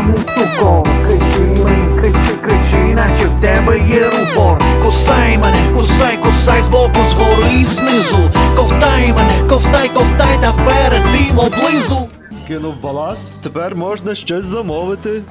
суко, кричи мені, кричи, наче в тебе є рупор. Кусай мене, кусай збоку, згори і знизу. Ковтай мене, ковтай, та перед тим облизу. Скинув баласт, тепер можна щось замовити.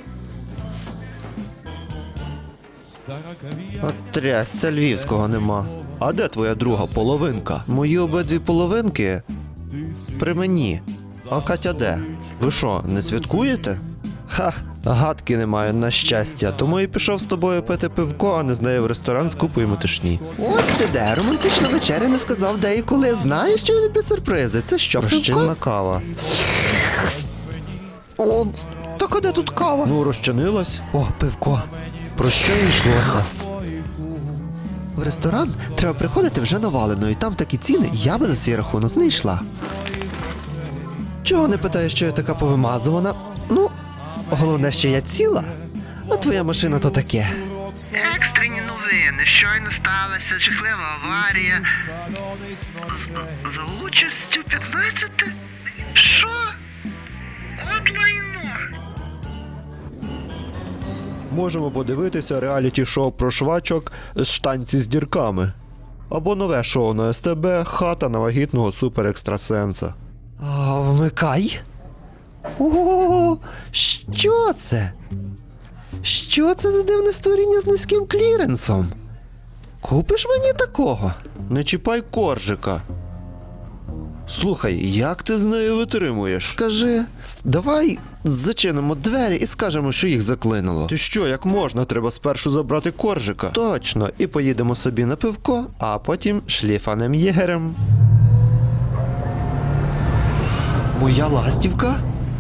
От трясця, львівського нема. А де твоя друга половинка? Мої обидві половинки при мені. А Катя де? Ви що, не святкуєте? Ха, гадки не маю, на щастя. Тому і пішов з тобою пити пивко, а не з нею в ресторан з купою метушні. Ось ти де, романтична вечеря не сказав де і коли. Знаєш, що я люблю сюрпризи? Це що, розчинна кава? О, так а де тут кава? Ну, розчинилась. О, пивко. Про що й йшлося? В ресторан треба приходити вже навалено, і там такі ціни, я би за свій рахунок не йшла. Чого не питаєш, що я така повимазувана? Ну, головне, що я ціла, а твоя машина то таке. Екстрені новини. Щойно сталася жахлива аварія. За участю 15? Що? От лайно. Можемо подивитися реаліті-шоу про швачок з штанці з дірками. Або нове шоу на СТБ «Хата на вагітного суперекстрасенса». Вмикай. О, що це? Що це за дивне створіння з низьким кліренсом? Купиш мені такого? Не чіпай коржика. Слухай, як ти з нею витримуєш? Скажи, давай зачинимо двері і скажемо, що їх заклинило. Ти що, як можна? Треба спершу забрати коржика. Точно, і поїдемо собі на пивко, а потім шліфанем єгерем. Моя ластівка?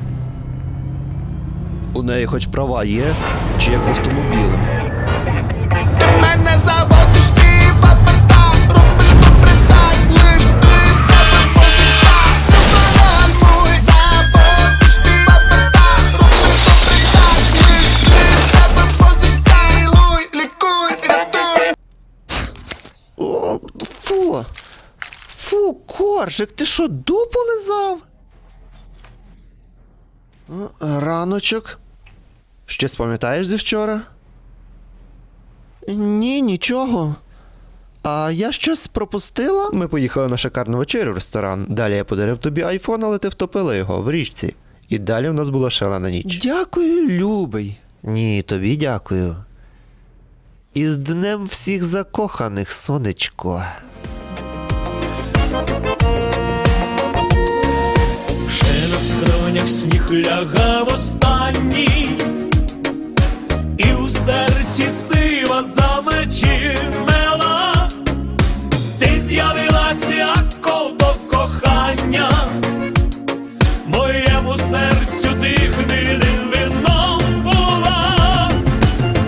У неї хоч права є, чи як з автомобілем? Ти мене заводиш, мій паперта, робиш добре так, лиш ти в себе позиця, не загальмуй, заводиш, мій паперта, робиш добре так, лиш ти в себе позиця, луй, лікуй, рятуй. О, фу! Фу, коржик, ти що, дупу лизав? Раночок. Щось пам'ятаєш зі вчора? Ні, нічого. А я щось пропустила? Ми поїхали на шикарну вечерю в ресторан. Далі я подарив тобі айфон, але ти втопила його в річці. І далі в нас була шалена ніч. Дякую, любий. Ні, тобі дякую. І з днем всіх закоханих, сонечко. Ще на скронях сніг лягав останній, і у серці сива замечімела. Ти з'явилася як до кохання, моєму серцю ти хвилі.